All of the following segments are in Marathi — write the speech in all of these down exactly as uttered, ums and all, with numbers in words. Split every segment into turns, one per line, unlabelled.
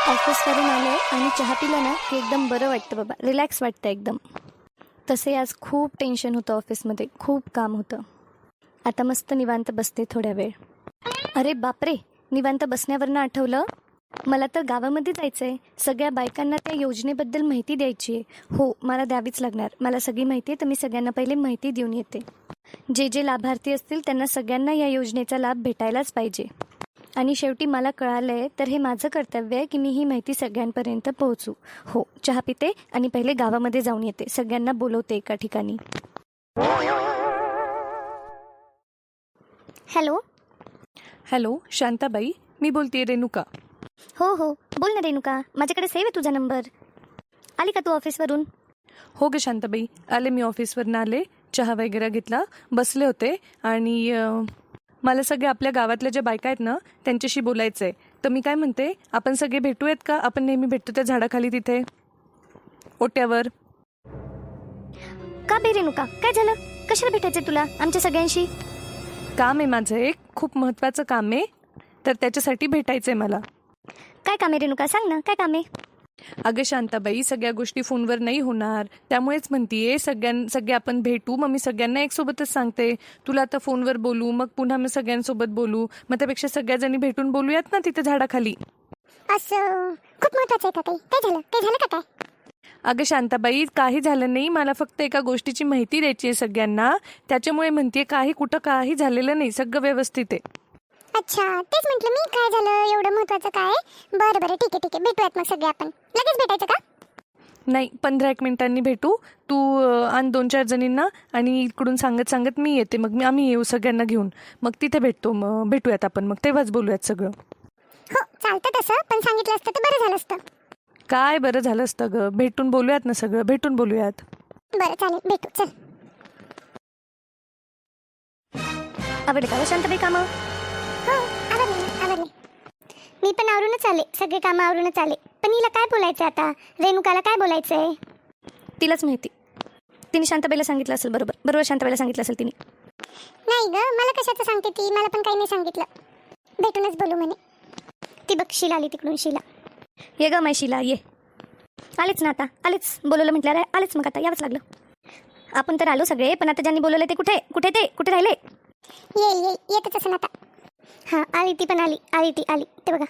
ऑफिसवरून आले आणि चहा पिला ना की एकदम बरं वाटतं बाबा, रिलॅक्स वाटतं एकदम. तसे आज खूप टेन्शन होतं ऑफिसमध्ये, खूप काम होतं. आता मस्त निवांत बसते थोड्या वेळ. अरे बापरे, निवांत बसण्यावरनं आठवलं, मला तर गावामध्ये जायचं आहे. सगळ्या बायकांना त्या योजनेबद्दल माहिती द्यायची आहे. हो, मला द्यावीच लागणार. मला सगळी माहिती आहे, तर मी सगळ्यांना पहिले माहिती देऊन येते. जे जे लाभार्थी असतील त्यांना सगळ्यांना या योजनेचा लाभ भेटायलाच पाहिजे. आणि शेवटी मला कळालं आहे, तर हे माझं कर्तव्य आहे की मी ही माहिती सगळ्यांपर्यंत पोहोचू. हो, चहा पिते आणि पहिले गावामध्ये जाऊन येते. सगळ्यांना बोलवते एका ठिकाणी. हॅलो.
हॅलो शांताबाई, मी बोलते रेणुका.
हो हो, बोल ना रेणुका. माझ्याकडे सेव्ह आहे तुझा नंबर. आली का तू ऑफिसवरून?
हो ग शांताबाई, आले मी ऑफिसवरनं आले, चहा वगैरे घेतला, बसले होते आणि अं, मला सगळे आपल्या गावातल्या ज्या बायका आहेत ना त्यांच्याशी बोलायचं आहे. तर मी काय म्हणते, आपण सगळे भेटूयात का? आपण नेहमी भेटतो त्या झाडाखाली तिथे ओट्यावर.
का बे रेणुका, काय झालं? कशाला भेटायचं तुला आमच्या सगळ्यांशी?
काम आहे माझं, एक खूप महत्त्वाचं काम आहे, तर त्याच्यासाठी भेटायचं आहे मला.
काय काम आहे रेणुका, सांग ना, काय काम आहे?
अगं शांताबाई, सगळ्या गोष्टी फोनवर नाही होणार, त्यामुळेच म्हणतीये सगळ्यां सगळे आपण भेटू. मग मी सगळ्यांना एक सोबतच सांगते. तुला आता फोनवर बोलू, मग पुन्हा मी सगळ्यांसोबत बोलू, मग त्यापेक्षा सगळ्याजणी भेटून बोलूयात ना तिथे झाडाखाली.
असं खूप महत्वाचं आहे का? काही काय झालं? काय झालं का काय?
अगं शांताबाई, काही झालं नाही, मला फक्त एका गोष्टीची माहिती द्यायची आहे सगळ्यांना, त्याच्यामुळे म्हणतेय. काही कुठं काही झालेलं नाही, सगळं व्यवस्थित आहे.
अच्छा, तेच म्हटलं मी, काय झालं एवढं महत्वाचं काय? बरं बरं, ठीक आहे ठीक आहे, भेटूयात मग सगळे आपण. लगेच भेटायचं का?
नाही, पंधरा एक मिनिटांनी भेटू. तू अं, आण दोन चार जणींना आणि इकडून सांगत सांगत मी येते. मग मी आम्ही येऊ सगळ्यांना घेऊन, मग तिथे भेटतो. मग भेटूयात आपण, मग तेव्हाच बोलूयात सगळं.
हो चालतं तसं, पण सांगितलं असतं तर बरं झालं असतं.
काय बरं झालं असतं ग, भेटून बोलूयात ना सगळं, भेटून बोलूयात.
बरं चालेल, भेटू, चल.
आवडे का शांताबाई कामं?
हो, आवरले ना, आवरले. मी पण आवरूनच आले, सगळे कामं आवरूनच आले. पण हिला काय बोलायचं आता? रेणुकाला काय बोलायचंय?
तिलाच माहिती. तिने शांताबाईला सांगितलं असेल. बरोबर बरोबर शांताबाईला सांगितलं असेल तिने.
नाही ग, मला कशाचं सांगते ती? मला पण काही नाही सांगितलं. भेटूनच बोलू म्हणे. ती बघ, शिला आली तिकडून, शिला.
ये ग मायशीला, ये. आलेच ना आता, आलेच. बोलवलं म्हटल्यावर आलेच, मग आता यावंच लागलं. आपण तर आलो सगळे, पण आता ज्यांनी बोलवलं ते कुठे कुठे ते कुठे राहिले?
येईल येईल, येतच असं आता. हां, आली ती पण आली, आली ती आली, ते बघा.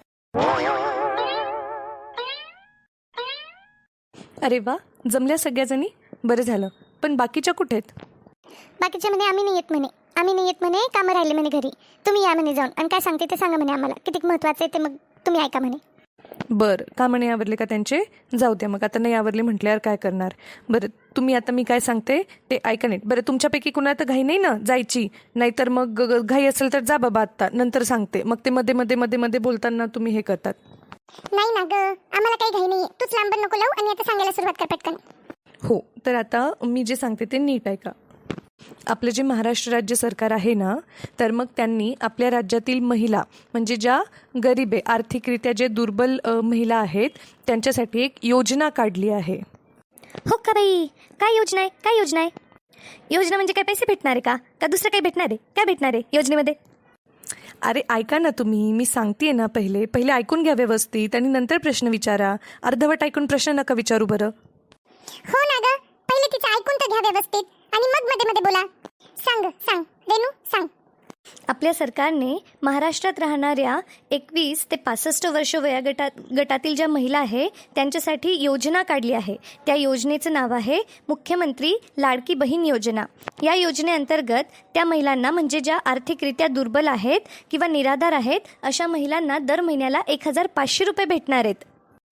अरे वा, जमल्या सगळ्याजणी, बरं झालं. पण बाकीच्या कुठे आहेत?
बाकीच्या म्हणे आम्ही नाही येत म्हणे, आम्ही नाही येत म्हणे, कामं राहिले म्हणे घरी. तुम्ही या म्हणे जाऊन, आणि काय सांगते ते सांगा म्हणे आम्हाला, किती महत्वाचं आहे ते, मग तुम्ही ऐका म्हणे.
बरं, कामं नाही आवरले का त्यांचे? जाऊ द्या मग, आता नाही आवरले म्हटल्यावर काय करणार. बरं, तुम्ही आता मी काय सांगते ते ऐका नीट. बरं, तुमच्यापैकी कुणाला तर घाई नाही ना जायची? नाहीतर मग घाई असेल तर जा बाबा, आत्ता नंतर सांगते. मग ते मध्ये मध्ये मध्ये मध्ये बोलताना तुम्ही हे करतात.
नाही ना ग, आम्हाला काही घाई नाहीये. तूच लांबर नको लावू आणि आता सांगायला सुरुवात कर पटकन.
हो, तर आता मी जे सांगते ते नीट ऐका. आपलं जे महाराष्ट्र राज्य सरकार आहे ना, तर मग त्यांनी आपल्या राज्यातील महिला, म्हणजे ज्या गरीब आहे, आर्थिकरित्या जे दुर्बल अ, महिला आहेत, त्यांच्यासाठी एक योजना काढली आहे.
हो का बाई, काय योजना आहे? काय योजना आहे? योजना म्हणजे काय, पैसे भेटणार आहे का? का दुसरं काही भेटणार आहे? काय भेटणार आहे योजनेमध्ये?
अरे ऐका ना तुम्ही, मी सांगतेय ना, पहिले पहिले ऐकून घ्या व्यवस्थित आणि नंतर प्रश्न विचारा. अर्धवट ऐकून प्रश्न नका विचारू बरं.
हो ना ग, पहिले तिचं ऐकून तर घ्या व्यवस्थित, आणि मग मध्ये मध्ये बोला. सांग सांग रेणू, सांग.
आपल्या सरकारने महाराष्ट्रात राहणाऱ्या एकवीस ते पासष्ट वर्ष वयोगटात गटातील ज्या महिला आहे त्यांच्यासाठी योजना काढली आहे. त्या योजनेचं नाव आहे मुख्यमंत्री लाडकी बहीण योजना. या योजनेअंतर्गत त्या महिलांना, म्हणजे ज्या आर्थिकरित्या दुर्बल आहेत किंवा निराधार आहेत, अशा महिलांना दर महिन्याला एक हजार पाचशे रुपये भेटणार आहेत.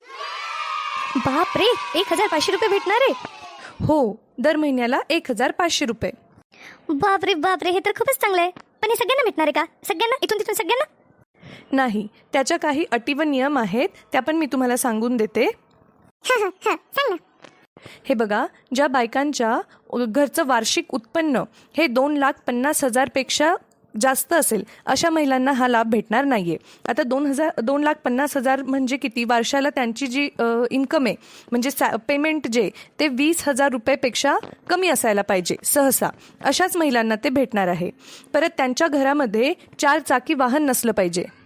बाप रे, एक हजार पाचशे रुपये भेटणार आहे?
हो, दर महिन्याला एक हजार पाचशे रुपये.
बापरे बापरे, हे तर खूपच चांगलं आहे. पण हे सगळ्यांना भेटणार आहे का? सगळ्यांना, इथून तिथून सगळ्यांना?
नाही, त्याच्या काही अटी व नियम आहेत, त्या पण मी तुम्हाला सांगून देते.
हां हां हां, सांग ना.
हे बघा, ज्या बायकांच्या घरचं वार्षिक उत्पन्न हे दोन लाख पन्नास हजारपेक्षा जास्त असेल, अशा महिलांना हा लाभ भेटणार नाहीये. आता दोन हजार दोन लाख पन्नास हजार म्हणजे किती? वर्षाला त्यांची जी इन्कम आहे, म्हणजे सा पेमेंट जे, ते वीस हजार रुपयेपेक्षा कमी असायला पाहिजे सहसा. अशाच महिलांना ते भेटणार आहे. परत त्यांच्या घरामध्ये चार चाकी वाहन नसलं पाहिजे.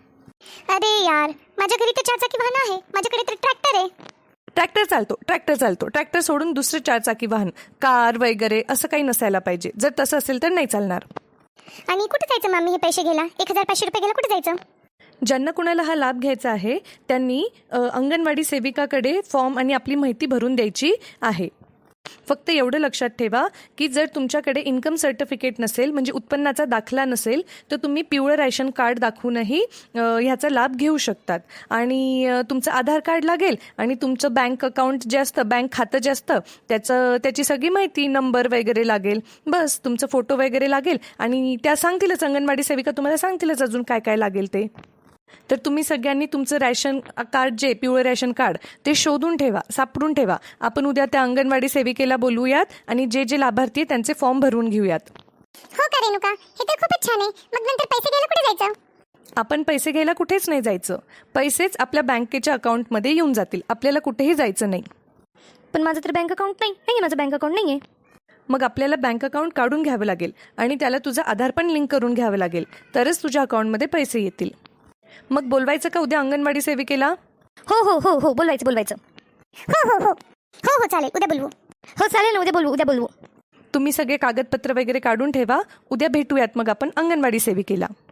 अरे यार, माझ्या घरी तर चारचाकी वाहन आहे, माझ्याकडे तर ट्रॅक्टर आहे.
ट्रॅक्टर चालतो ट्रॅक्टर चालतो ट्रॅक्टर सोडून दुसरे चारचाकी वाहन, कार वगैरे असं काही नसायला पाहिजे. जर तसं असेल तर नाही चालणार.
आणि कुठे जायचं मामी हे पैसे घ्यायला? एक हजार पाचशे रुपये घ्यायला कुठे जायचं?
ज्यांना कुणाला हा लाभ घ्यायचा आहे त्यांनी अ, अंगणवाडी सेविकाकडे फॉर्म आणि आपली माहिती भरून द्यायची आहे. फक्त एवढं लक्षात ठेवा की जर तुमच्याकडे इन्कम सर्टिफिकेट नसेल, म्हणजे उत्पन्नाचा दाखला नसेल, तर तुम्ही पिवळं रॅशन कार्ड दाखवूनही अ, ह्याचा लाभ घेऊ शकतात. आणि अ, तुमचं आधार कार्ड लागेल आणि तुमचं बँक अकाउंट जे असतं, बँक खातं जे असतं, त्याचं त्याची सगळी माहिती, नंबर वगैरे लागेल. बस तुमचं फोटो वगैरे लागेल आणि त्या सांगतीलच, अंगणवाडी सेविका तुम्हाला सांगतीलच अजून काय काय लागेल ते. तर तुम्ही सगळ्यांनी तुमचं रॅशन कार्ड, जे पिवळं रॅशन कार्ड, ते शोधून ठेवा, सापडून ठेवा. आपण उद्या त्या अंगणवाडी सेविकेला बोलवूयात आणि जे जे लाभार्थी आहेत त्यांचे फॉर्म भरून घेऊयात.
हो का रेणुका, हे तर खूपच छान आहे. मग नंतर पैसे घ्यायला कुठे जायचं?
आपण पैसे घ्यायला कुठेच नाही जायचं. पैसेच आपल्या बँकेच्या अकाउंटमध्ये येऊन जातील. आपल्याला कुठेही जायचं नाही.
पण माझं तर बँक अकाउंट नाही नाही माझं बँक अकाउंट नाही आहे.
मग आपल्याला बँक अकाउंट काढून घ्यावं लागेल आणि त्याला तुझं आधार पण लिंक करून घ्यावं लागेल, तरच तुझ्या अकाउंटमध्ये पैसे येतील. मग बोलवायचं का उद्या अंगणवाडी सेविकेला?
हो हो हो हो बोलवायचं बोलवायचं.
हो हो हो हो हो चालेल, उद्या बोलवू.
हो चालेल ना, उद्या बोलवू उद्या बोलवू.
तुम्ही सगळे कागदपत्र वगैरे काढून ठेवा. उद्या भेटूयात मग आपण अंगणवाडी सेविकेला.